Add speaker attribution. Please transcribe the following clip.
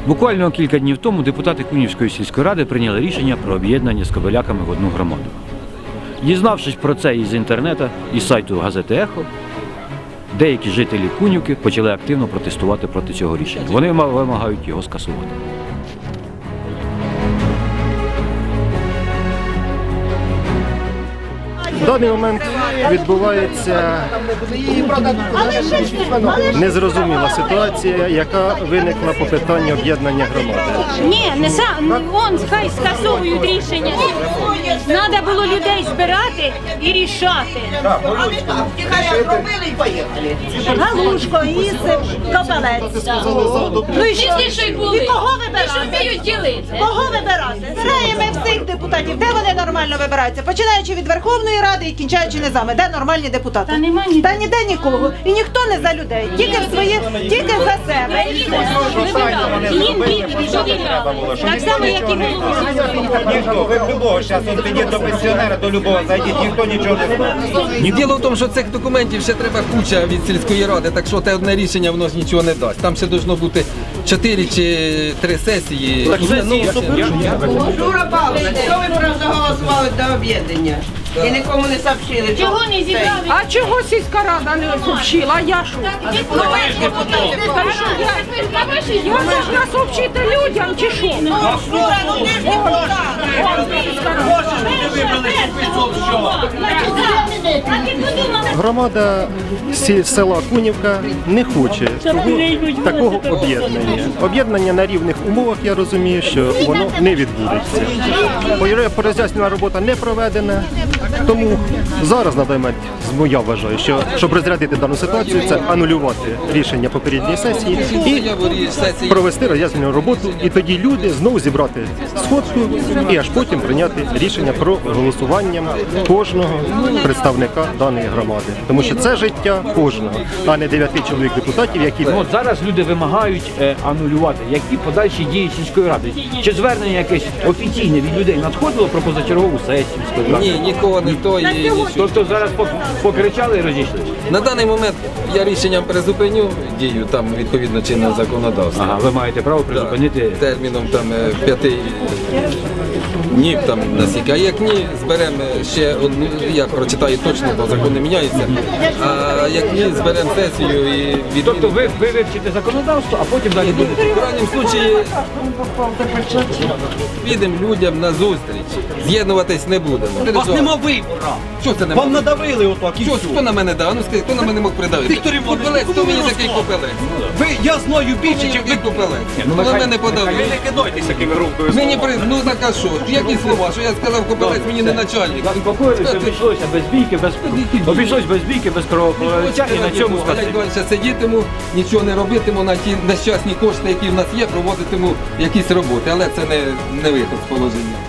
Speaker 1: Буквально кілька днів тому депутати Кунівської сільської ради прийняли рішення про об'єднання з Кобиляками в одну громаду. Дізнавшись про це із інтернету, із сайту газети «Ехо», деякі жителі Кунівки почали активно протестувати проти цього рішення. Вони вимагають його скасувати.
Speaker 2: В даний момент відбувається незрозуміла ситуація, яка виникла по питанню об'єднання громади.
Speaker 3: Ні, не сам, вон хай скасовують рішення. Треба було людей збирати і рішати.
Speaker 4: Галушко, Ісип, Кобилець. Ну і що? І кого вибирати? Кого вибирати? Збираємо всіх депутатів. Де вони нормально вибираються? Починаючи від Верховної Ради і кінчаючи низами. Де нормальні депутати?
Speaker 3: Та нема ніде.
Speaker 4: Та ніде нікого. І ніхто не за людей. Тільки в своїх, тільки за себе.
Speaker 3: Їм бідні, довіряли. Так само, як і голову.
Speaker 5: Ніхто, ви в любого, зараз от підіть до пенсіонера, до любого зайдіть, ніхто нічого не знає.
Speaker 6: Діло в тому, що цих документів ще треба куча від сільської ради, так що те одне рішення воно ж нічого не дасть. Там ще должно бути 4 чи 3 сесії.
Speaker 7: Жура Павловна, що ви проголосували до об'єднання? І нікому не сообщили.
Speaker 3: Чого не зібрали?
Speaker 8: А чого сільська рада не сообщила? А я що?
Speaker 7: Ну ви ж депутати.
Speaker 8: Я должна сообщити людям чи що?
Speaker 7: Жура, ну ти ж депутат.
Speaker 2: Громада села Кунівка не хоче такого об'єднання. Об'єднання на рівних умовах, я розумію, що воно не відбудеться. Пороз'яснена робота не проведена, тому зараз на даний момент, я вважаю, що щоб розрядити дану ситуацію, це анулювати рішення попередньої сесії і провести роз'яснену роботу, і тоді люди знову зібрати сходку і аж потім прийняти рішення про голосування кожного представника даної громади. Тому що це життя кожного, а не 9 чоловік депутатів, які...
Speaker 1: Ну, от зараз люди вимагають анулювати, які подальші дії сільської ради. Чи звернення якесь офіційне від людей надходило про позачергову сесію сільської ради?
Speaker 6: Ні, нікого не то і нічого.
Speaker 1: Тобто зараз покричали і розійшлися?
Speaker 6: На даний момент я рішенням призупиню дію там відповідно чинного законодавства.
Speaker 1: Ага, ви маєте право призупинити.
Speaker 6: Терміном там 5 днів там наскільки. А як ні, зберемо ще одну, я прочитаю точно, бо закон не міняється. А як ні, зберемо сесію і від...
Speaker 1: Тобто ви вивчите законодавство, а потім далі будете.
Speaker 6: В крайньому случаї підемо людям на зустріч. З'єднуватись не будемо.
Speaker 9: У вас нема вибору.
Speaker 6: Що це нема?
Speaker 9: Вам надавили отак і
Speaker 6: Що,
Speaker 9: все.
Speaker 6: хто на мене дав? Ну скажи, хто на мене мог придавити?
Speaker 9: Віктор Іванович,
Speaker 6: Копелець, хто мені
Speaker 9: ну,
Speaker 6: такий копелець?
Speaker 9: Я знаю більше, ніж ви.
Speaker 6: Копелець.
Speaker 1: ну,
Speaker 6: На мене подавили.
Speaker 9: Ви не кидайтеся такими румкою.
Speaker 6: Мені ну так а що? Які слова? Що я сказав копелець, мені не начальник.
Speaker 1: Заспокоїлися, обійшлося без бійки, без кровопролиття і на цьому
Speaker 6: Я далі сидітиму, нічого не робитиму, на ті нещасні кошти, які в нас є, проводитиму якісь роботи, але це не виход з положення.